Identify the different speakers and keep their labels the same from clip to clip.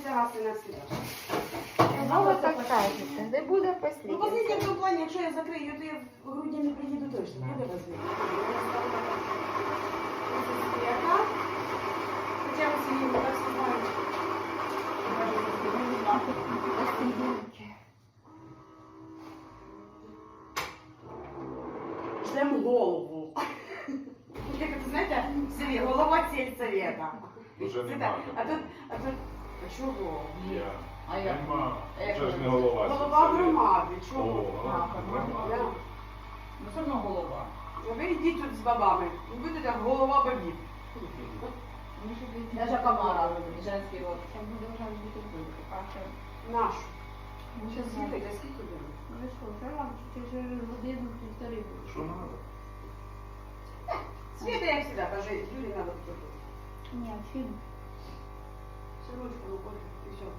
Speaker 1: раз і навсегда.
Speaker 2: Ну, ви так кажете, де буде
Speaker 1: Ну,
Speaker 2: послідня.
Speaker 1: послідня в тому плані, якщо я закрию, то я в грудні не приїду точно. Буде возможно. Яка? Хоча ви сьогодні не так знаєте. Ждем голову. Як це, знаєте, в селі, голова сільсовета.
Speaker 3: Уже
Speaker 1: Це
Speaker 3: нема.
Speaker 1: так. А чого?
Speaker 3: Я.
Speaker 4: А я?
Speaker 3: Нема.
Speaker 4: А як
Speaker 3: Це ж
Speaker 4: ви?
Speaker 3: не голова.
Speaker 1: Голова
Speaker 3: це
Speaker 1: громади,
Speaker 3: О,
Speaker 1: чого?
Speaker 3: голова
Speaker 1: Да.
Speaker 3: громади.
Speaker 4: Ну, все одно голова.
Speaker 1: А ви йдіть тут з бабами. Ви будете як голова бабів.
Speaker 4: Даже комара, женський род.
Speaker 2: Це буде вже бути бути. Каша.
Speaker 1: Нашу.
Speaker 2: Ну,
Speaker 1: Зараз
Speaker 2: знаю.
Speaker 1: слухайте, скільки буде?
Speaker 2: Ну, ви що, вже вам вже годину, півтори буде.
Speaker 3: Що надо?
Speaker 1: Света, як завжди, каже, Юлі треба тут.
Speaker 2: Ні, фільм.
Speaker 1: Все ручку виходить і все.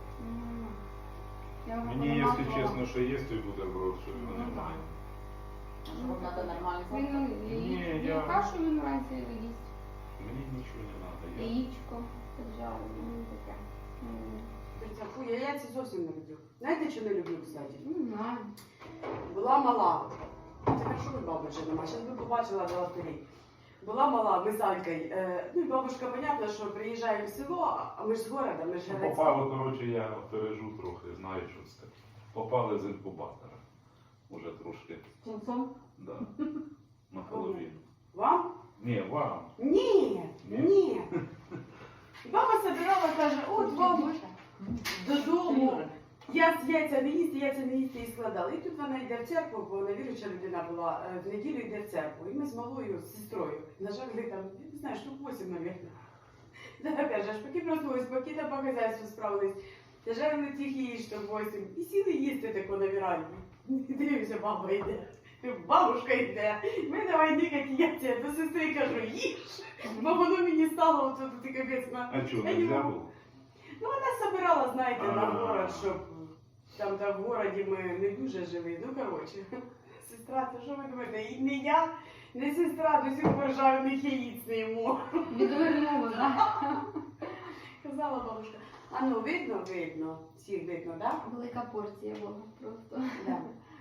Speaker 2: Я вже
Speaker 3: Мені, якщо
Speaker 2: понамазувала.
Speaker 3: чесно, що є той бутерброд, що його
Speaker 2: Ну,
Speaker 3: немає.
Speaker 4: Щоб треба нормально
Speaker 2: Він
Speaker 3: Ні,
Speaker 2: і
Speaker 3: я-
Speaker 2: кашу він вранці їсть,
Speaker 3: Мені нічого не треба.
Speaker 2: яєчко поджарили, ну таке.
Speaker 1: Дивіться, фу, я яйця зовсім не люблю. Знаєте, що не люблю, кстати?
Speaker 2: Не знаю.
Speaker 1: Була мала. Це хорошо, ви баби вже нема. Зараз би побачила до лотерей. Була мала, ми з Алькою. Ну і бабушка, понятно, що приїжджає в село, а ми ж з города, ми ж
Speaker 3: Ну,
Speaker 1: грецькі.
Speaker 3: попало, коротше, я пережу трохи, знаю, що це. Попали з інкубатора. Уже трошки.
Speaker 4: Ченцом?
Speaker 3: Да. Наполовину.
Speaker 1: Вам?
Speaker 3: Ні, вам.
Speaker 1: Ні,
Speaker 3: Ні?
Speaker 1: ні. І баба собирала, каже, от вам додому. Я з яйця не їсти і складала. І тут вона йде в церкву, бо вона віруюча людина була, в неділю йде в церкву. І ми з малою, з сестрою, нажали там, я не знаю, штук 8, мабуть. Да, каже, аж поки проснулись, поки там по хазяйству справились. Нажали тих її штук 8. І сіли їсти тако на віранді. Дивимося, баба йде. Бабушка йде. Ми давай никать яйця. До сестри кажу, їж. Бо воно мені стало от ти капець на.
Speaker 3: А що,
Speaker 1: Я не
Speaker 3: нельзя
Speaker 1: можу.
Speaker 3: було?
Speaker 1: Ну, вона собирала, знаєте, на
Speaker 3: А.
Speaker 1: город, щоб там в городі ми не дуже живі. Ну, коротше, сестра, то що ви думаєте, і не я, не сестра до сих пор жарених яїць не їмо.
Speaker 2: Відвернула, так?
Speaker 1: Казала бабушка. А ну, видно, всіх видно, так?
Speaker 2: Велика порція була просто.
Speaker 1: Да?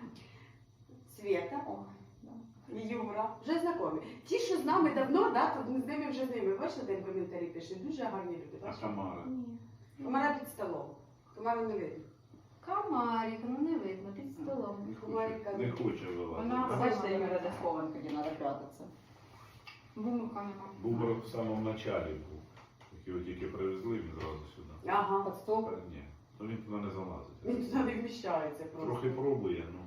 Speaker 1: Света,
Speaker 2: О, да.
Speaker 1: і Юра, вже знайомі. Ті, що з нами давно, да, то ми з ними вже з ними. Бачите, там коментарі пише, дуже гарні люди.
Speaker 3: А
Speaker 1: Бачите?
Speaker 3: Тамара?
Speaker 2: Ні.
Speaker 1: Комара під столом. Комару не видно.
Speaker 2: Комарик, ну не видно, під столом.
Speaker 3: Не хоче вилазити.
Speaker 2: Вона
Speaker 3: да?
Speaker 4: Бачите, я де схованка, де треба прятатися.
Speaker 2: Бумака нема.
Speaker 3: Бубр в самому началі був. Його тільки привезли, він зразу сюди.
Speaker 1: Ага.
Speaker 4: Під стол.
Speaker 3: Та ні, ну він туди не залазить.
Speaker 1: Він туди не вміщається просто.
Speaker 3: Трохи пробує, ну.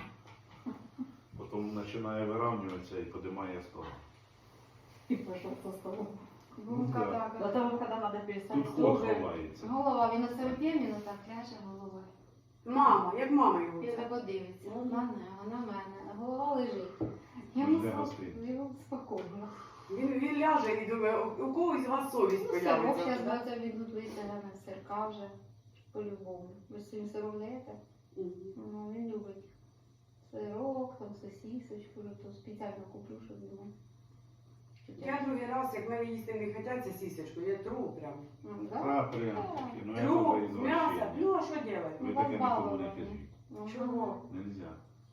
Speaker 3: Потім починає вирівнюватися і підіймає стол.
Speaker 4: І пішов за столом.
Speaker 2: Бумака,
Speaker 3: Ну, да.
Speaker 2: так.
Speaker 4: До того, коли треба перестати
Speaker 3: Тут
Speaker 4: стол,
Speaker 3: ход ховається.
Speaker 2: Голова, він оце вип'є, ну так ляже головою.
Speaker 1: Мама, як мама його.
Speaker 2: І так подивиться.
Speaker 4: Ну,
Speaker 2: На мене, а голова лежить.
Speaker 3: Ну,
Speaker 2: Йому
Speaker 3: де гостинці?
Speaker 2: йому спокійно.
Speaker 1: Він ляже і думає, у когось з вас совість
Speaker 2: Ну, сирок
Speaker 1: появиться.
Speaker 2: зараз бачите, відуть виселяне сирка вже по-любому. Ви з цим сиром даєте?
Speaker 1: Мгм.
Speaker 2: Ну, він любить сирок, там сосисочку, то спеціально куплю, щоб йому.
Speaker 1: Я другий раз, як мене їсти не хочеться сісечку, я тру прям.
Speaker 2: Ну, да?
Speaker 3: А, прям таки. Ну, я
Speaker 1: Тру,
Speaker 3: добре
Speaker 1: м'ясо,
Speaker 3: ізвращення.
Speaker 1: ну а що робити?
Speaker 3: Ви
Speaker 2: Ну,
Speaker 3: таке нікому не
Speaker 2: баловане.
Speaker 3: кажіть.
Speaker 2: Ну,
Speaker 1: Чого?
Speaker 3: Нельзя.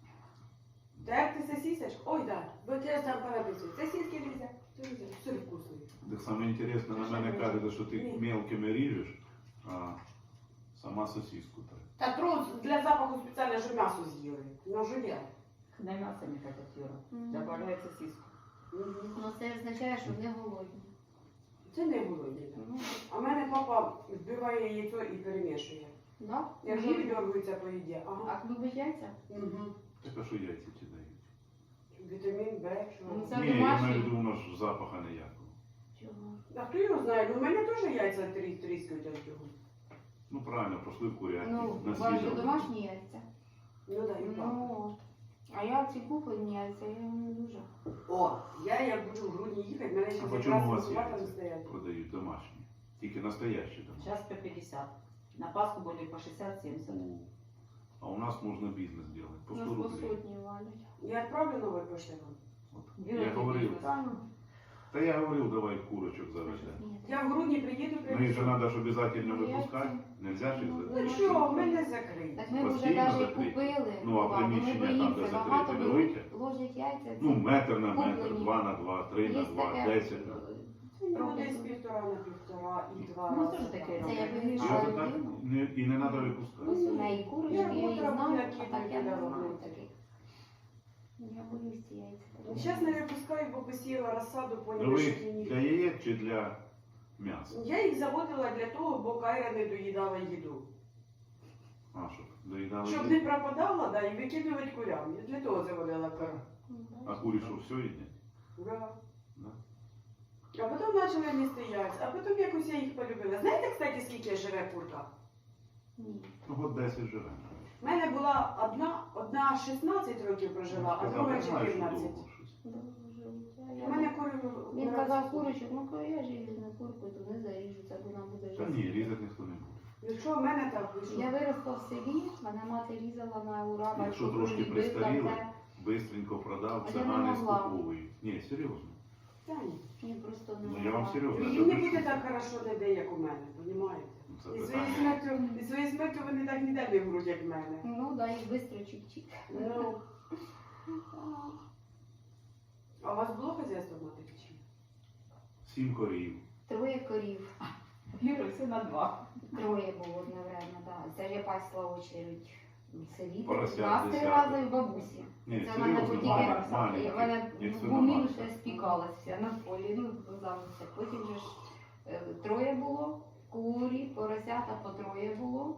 Speaker 1: Та як ти сосисочку? Ой, да, бо я там понаписую. Сосиски нельзя, все вкусний.
Speaker 3: Так саме інтересно, на мене кажете, що ти
Speaker 1: Ні.
Speaker 3: мелкими ріжеш, а сама сосиску так.
Speaker 1: Та тру для запаху спеціально, що м'ясо з'їли. Ну, жує.
Speaker 4: На м'ясо не хочуть, Юра.
Speaker 2: Мгм.
Speaker 4: Добавляється сіску.
Speaker 1: Мгм.
Speaker 2: Ну, це означає, що не голодні.
Speaker 1: Це не голодні.
Speaker 2: Ну,
Speaker 1: А в мене папа вбиває яйцо і перемішує.
Speaker 2: да?
Speaker 1: Як жир дергаються по їді. Ага.
Speaker 2: А любить яйця?
Speaker 1: Угу.
Speaker 3: Так а що яйця ті дають?
Speaker 1: Вітамін Б,
Speaker 2: Ну,
Speaker 1: що.
Speaker 2: це
Speaker 3: Ні, я
Speaker 2: домашні.
Speaker 3: маю в виду, воно ж запаха ніякого.
Speaker 2: Чого?
Speaker 1: А хто його знає? Ну, у мене теж яйця тріскають від цього.
Speaker 3: Ну правильно, пошли в курятник,
Speaker 2: Ну,
Speaker 3: на
Speaker 2: у вас же
Speaker 3: свіжо.
Speaker 2: домашні яйця.
Speaker 1: Ну да, і папа.
Speaker 2: Ну, а я ці куплені яйця, я не дуже.
Speaker 1: О, я як буду в грудні їхати, мене ще
Speaker 3: А по чому у вас
Speaker 1: інкубатором
Speaker 3: яйця
Speaker 1: стоять.
Speaker 3: продають домашні? Тільки настоящі домашні.
Speaker 4: Зараз по 50. На Пасху були по 60-70.
Speaker 3: А у нас можна бізнес робити. По 100
Speaker 2: Нас по
Speaker 3: рублей.
Speaker 2: сотні валять.
Speaker 1: Я відправлю новий пошту.
Speaker 3: От, я говорив,
Speaker 2: Та, ну,
Speaker 3: Та я говорив, давай курочок заведемо.
Speaker 2: Ні,
Speaker 1: Я в грудні приїду,
Speaker 3: Ну їх же
Speaker 1: привезу.
Speaker 3: треба ж обов'язково випускати. Нельзя ж їх
Speaker 1: Ну
Speaker 3: завести.
Speaker 1: що, мене закриють.
Speaker 2: Так ми вже
Speaker 3: Постійно
Speaker 2: навіть
Speaker 3: закриті.
Speaker 2: купили.
Speaker 3: Ну, а
Speaker 2: Вова, ми
Speaker 3: приміщення там,
Speaker 2: боїмося,
Speaker 3: де
Speaker 2: багато
Speaker 3: закриті,
Speaker 2: беруть,
Speaker 3: велике?
Speaker 2: ложать яйця.
Speaker 3: Ну, метр на метр,
Speaker 2: Куплені.
Speaker 3: 2 на 2, 3 на
Speaker 2: Є
Speaker 3: 2,
Speaker 2: таке,
Speaker 3: 10.
Speaker 1: Ну, десь 1,5 на 1,5 і 2
Speaker 4: Ну,
Speaker 1: рази.
Speaker 4: теж таке
Speaker 1: так.
Speaker 2: Це я
Speaker 3: І
Speaker 2: вирішила.
Speaker 3: ось так і не треба випускати.
Speaker 2: Ось у неї курочки, я її
Speaker 1: Я
Speaker 2: знаю,
Speaker 1: накидаю
Speaker 2: а так я не
Speaker 1: туди
Speaker 2: знаю
Speaker 1: робити.
Speaker 2: таких. Я боюсь ці яйця.
Speaker 1: Зараз не випускаю, бо посіяла розсаду,
Speaker 3: Ну
Speaker 1: поняла,
Speaker 3: ви
Speaker 1: що мені.
Speaker 3: для яєць чи для м'яса?
Speaker 1: Я їх заводила для того, бо Кайра не доїдала їду.
Speaker 3: А, щоб доїдали
Speaker 1: Щоб
Speaker 3: їсти?
Speaker 1: не пропадала, да, і викидувати курям. Я для того заводила Кайру.
Speaker 3: А курі що, все їдять?
Speaker 1: Да.
Speaker 3: Да.
Speaker 1: А потім почали їсти яйця, а потім якось я їх полюбила. Знаєте, кстати, скільки живе курка?
Speaker 2: Ні.
Speaker 3: Ну, от 10 живе.
Speaker 1: У мене була одна 16 років прожила, а друга
Speaker 3: Казав, знаєш, що
Speaker 1: 14.
Speaker 3: довго щось.
Speaker 1: У мене кури
Speaker 2: Він казав курочок, ну коли я живу на курку, то не заріжу, це вона буде
Speaker 3: Та
Speaker 2: жити.
Speaker 3: ні, різати ніхто не буде.
Speaker 1: Ну що, в мене так вийшло?
Speaker 2: Я виросла в селі, мене мати різала на ура,
Speaker 3: Якщо
Speaker 2: батько
Speaker 3: трошки
Speaker 2: бив,
Speaker 3: пристаріли,
Speaker 2: там,
Speaker 3: бистренько продав,
Speaker 2: А
Speaker 3: це
Speaker 2: я не
Speaker 3: не
Speaker 2: могла.
Speaker 3: скуповують. Ні, серйозно.
Speaker 1: Та ні.
Speaker 2: Ні, просто не
Speaker 3: Ну, я вам
Speaker 2: могла.
Speaker 3: серйозно.
Speaker 1: Їм не буде так хорошо ніде, як у мене, розумієте?
Speaker 3: Ну, це
Speaker 1: І своєю
Speaker 3: питання.
Speaker 1: смертю вони так ніде не вмруть, як в мене.
Speaker 2: Ну, да, їх швидко чик-чик.
Speaker 1: Ну, а у вас було хазяйство в матері чи ні?
Speaker 3: 7 корів.
Speaker 2: 3 корів.
Speaker 4: Юра, все на 2.
Speaker 2: 3 було одновременно, так. Це ж я пасла очередь в селі.
Speaker 3: Поросят
Speaker 2: 2
Speaker 3: десяток.
Speaker 2: рази в бабусі.
Speaker 3: Ні,
Speaker 2: Це в мене
Speaker 3: серйозно,
Speaker 2: потім
Speaker 3: маленькі.
Speaker 2: в мене
Speaker 3: Як
Speaker 2: в
Speaker 3: свина
Speaker 2: гумі
Speaker 3: матка.
Speaker 2: ще спікалась вся на полі, ну завжди. Потім же ж 3 було, курі, поросята по 3 було.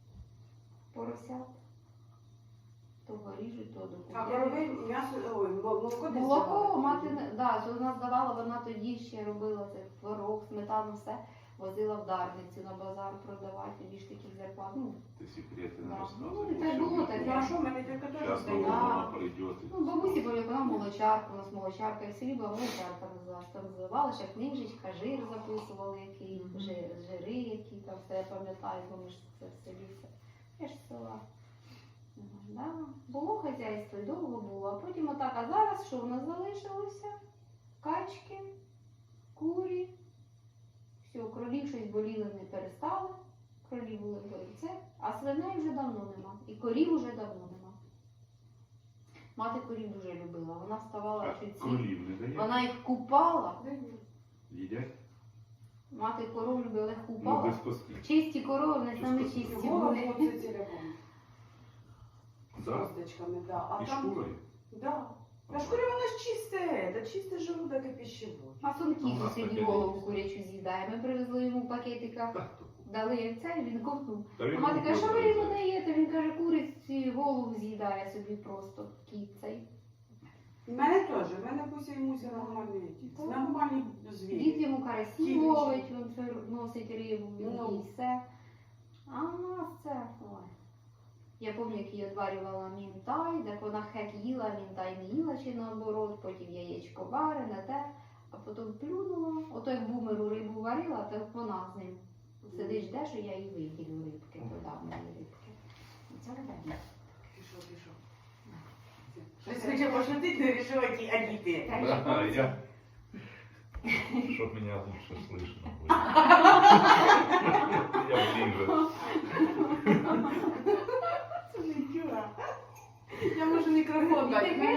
Speaker 2: Поросят. То ріжуть, то
Speaker 1: А
Speaker 2: докупляють.
Speaker 1: коровий м'ясо, ой, молоко десь
Speaker 2: Молоко
Speaker 1: давали?
Speaker 2: мати не да, що вона здавала, вона тоді ще робила це творог, сметану, все возила в Дарницю на базар продавати, тоді ж таких зарплат. Ну,
Speaker 3: Ти секрети не
Speaker 2: Да.
Speaker 3: розказуй.
Speaker 2: Ну, і так було, так
Speaker 1: Ну а що, в мене тільки теж
Speaker 3: Зараз
Speaker 1: здає.
Speaker 2: Да.
Speaker 3: вона прийде.
Speaker 2: ну бабусі були, вона молочарка, у нас молочарка, і в селі була молочарка називалась. Там зливали ще книжечка, жир записували, який, жири, які там все я пам'ятаю, бо ми ж це в селі все. Я ж з села. Да. Було хазяйство, і довго було, а потім отак, а зараз що в нас залишилося? Качки, курі, все, кролів щось боліли, не перестали, кролі були це, а свиней вже давно нема, і корів вже давно нема. Мати корів дуже любила, вона вставала
Speaker 3: А
Speaker 2: чуть ці,
Speaker 3: кролів не дає?
Speaker 2: вона їх купала,
Speaker 3: Їдять?
Speaker 2: мати коров любила, їх
Speaker 3: Ну,
Speaker 2: купала.
Speaker 3: без костей.
Speaker 2: Чисті корови, не саме
Speaker 3: Чисто
Speaker 2: чисті
Speaker 1: Голова
Speaker 2: були.
Speaker 1: хлопці ціляком. З
Speaker 3: Да?
Speaker 1: косточками, да. А
Speaker 3: І
Speaker 1: там,
Speaker 3: шкурою?
Speaker 1: да. Та шкура вона ж чисте, та чисте желудок і пищевод.
Speaker 2: А
Speaker 3: У
Speaker 2: Сонків
Speaker 3: нас
Speaker 2: сьогодні
Speaker 3: таке
Speaker 2: голову
Speaker 3: є.
Speaker 2: курячу з'їдає. Ми привезли йому в пакетиках,
Speaker 3: Так, то.
Speaker 2: дали це, він ковтнув.
Speaker 3: Та
Speaker 2: А
Speaker 3: він
Speaker 2: мати каже, що ви
Speaker 3: купив,
Speaker 2: йому даєте? Він каже, куриці голову з'їдає собі просто кіт цей.
Speaker 1: У мене теж, в мене Куся і Муся нормальні,
Speaker 2: Так.
Speaker 1: нормальні
Speaker 2: Дід
Speaker 1: звірі.
Speaker 2: йому карасі
Speaker 1: Кіт
Speaker 2: ловить, він це носить рибу, він
Speaker 1: Ну.
Speaker 2: їсть все. А у нас це, ой. Я пам'ятаю, як її одварювала мінтай, так вона хек їла, мінтай не їла чи наоборот, потім яєчко варене, те, а потім плюнула. Ото як бумеру рибу варила, так вона з ним сидиш, жде, що я їй виділю рибки, подав мені рибки. Це ребята.
Speaker 1: Пішов. Щось хоче пошутити, не вирішила, які адіти.
Speaker 3: Да, я... Чтоб меня лучше слышно было. Я ближе.
Speaker 1: Це не Юра. Я можу мікрофон дати. У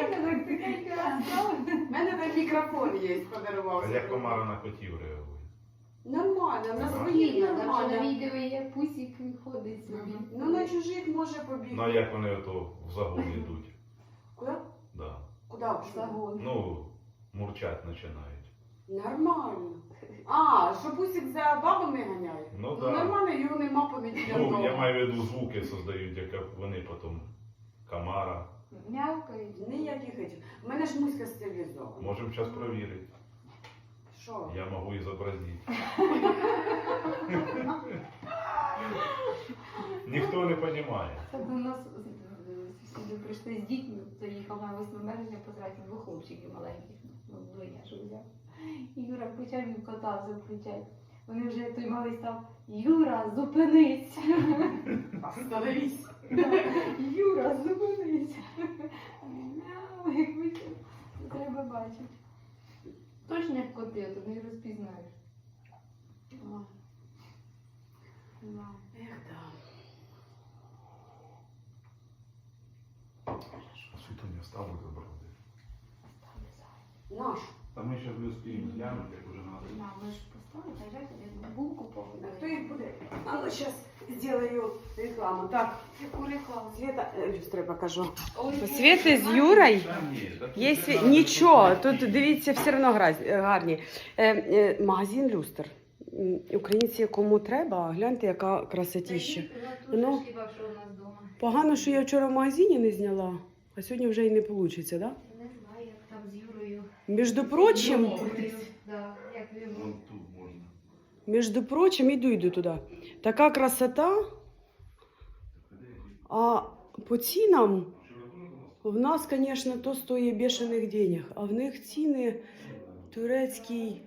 Speaker 1: мене там мікрофон є, подарував.
Speaker 3: А як комара на котів реагує?
Speaker 1: Нормально, на
Speaker 2: Спокійно,
Speaker 1: своїх
Speaker 2: там що на
Speaker 1: нормально.
Speaker 2: відео є пусік ходить собі.
Speaker 1: Ну на чужих може
Speaker 3: Ну а
Speaker 1: побігти.
Speaker 3: як вони ото в загон йдуть?
Speaker 1: Куди?
Speaker 3: Да.
Speaker 1: Куди пішли?
Speaker 2: Загон.
Speaker 3: Ну, мурчать починають.
Speaker 1: Нормально. А, що Пусік за бабами ганяє?
Speaker 3: Ну
Speaker 1: Ну,
Speaker 3: да.
Speaker 1: нормально, його нема по неділям
Speaker 3: Ну,
Speaker 1: вдома.
Speaker 3: я маю в виду звуки создають, як вони потім комара.
Speaker 2: Мявкають.
Speaker 1: Ніяких этих. У мене ж муська стерилізована.
Speaker 3: Можемо зараз перевірити.
Speaker 1: Що?
Speaker 3: Я можу і зобразити. Ніхто не розуміє.
Speaker 2: Це до нас сюди прийшли з дітьми, то їхав на 8 березня потратив 2 хлопчиків маленьких, ну, двоє ж взяв. І Юра включав, він кота включав. Вони вже той малий став, Юра, зупинись!
Speaker 1: Остановись.
Speaker 2: Юра, зупинись! Мяу, як ви це треба бачити. Точно як коти, тут не розпізнаєш. Ой. Да.
Speaker 1: Ех, да.
Speaker 3: Світоня ставлю забрати.
Speaker 1: Наш.
Speaker 3: Та ми ще не успіємо глянути, як уже надо.
Speaker 2: Да, ми ж поставили, а я тобі булку
Speaker 1: А
Speaker 2: повинна.
Speaker 1: хто їх буде? А ну зараз зроблю рекламу. Так,
Speaker 2: Яку рекламу?
Speaker 1: Света, люстру покажу.
Speaker 2: Ой,
Speaker 1: У Світи з Юрою
Speaker 3: Та ні, та тут
Speaker 1: є
Speaker 3: треба
Speaker 1: нічого.
Speaker 3: щось
Speaker 1: Тут дивіться, все одно гарні. Магазин люстр. Українці кому треба, гляньте, яка красотіща. Ну.
Speaker 2: Ну, хіба що у нас вдома.
Speaker 1: Погано, що я вчора в магазині не зняла, а сьогодні вже і не вийде, так? Да?
Speaker 2: Не знаю, як там з Юрою.
Speaker 1: Між прочим,
Speaker 2: Да, як він.
Speaker 3: Вон тут можна.
Speaker 1: між прочим, йду туди. Така красота, а по цінам в нас, звісно, то стоїть бешених денег, а в них ціни турецькі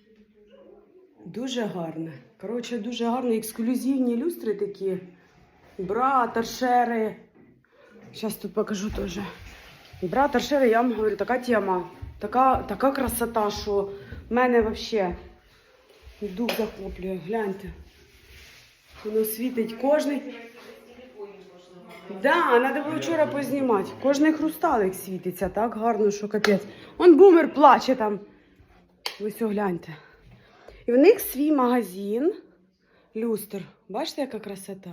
Speaker 1: дуже гарні. Коротше, дуже гарні ексклюзивні люстри такі. Бра, торшери. Зараз тут покажу теж. Бра, торшери, я вам говорю, така тема. Така красота, що в мене взагалі дух захоплює. Гляньте. Воно світить кожний. Да, треба було вчора познімати. Кожний хрусталик світиться так гарно, що капець. Он бумер плаче там. Ви все гляньте. І в них свій магазин. Люстр. Бачите, яка красота?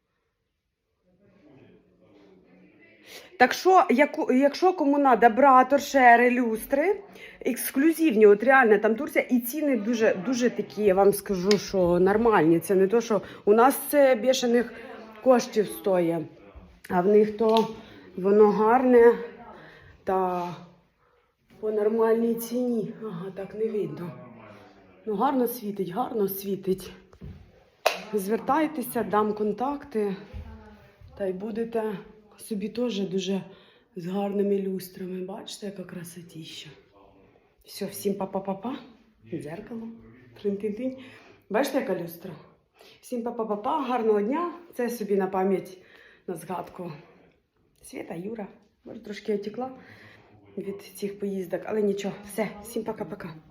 Speaker 1: Так що, якщо кому треба бра, торшери, люстри, ексклюзивні, от реально, там Турція, і ціни дуже, дуже такі, я вам скажу, що нормальні. Це не то, що у нас це бешених коштів стоїть, а в них то воно гарне та по нормальній ціні. Ага, так не видно. Ну, гарно світить. Звертайтеся, дам контакти, та й будете собі теж дуже з гарними люстрами. Бачите, яка красотіща. Все, всім па-па-па-па. Дзеркало. Трин-тин-тин. Бачите, яка люстра? Всім па-па-па-па. Гарного дня. Це собі на пам'ять, на згадку. Свята, Юра. Може, трошки отекла від цих поїздок, але нічого. Все, всім пока-пока.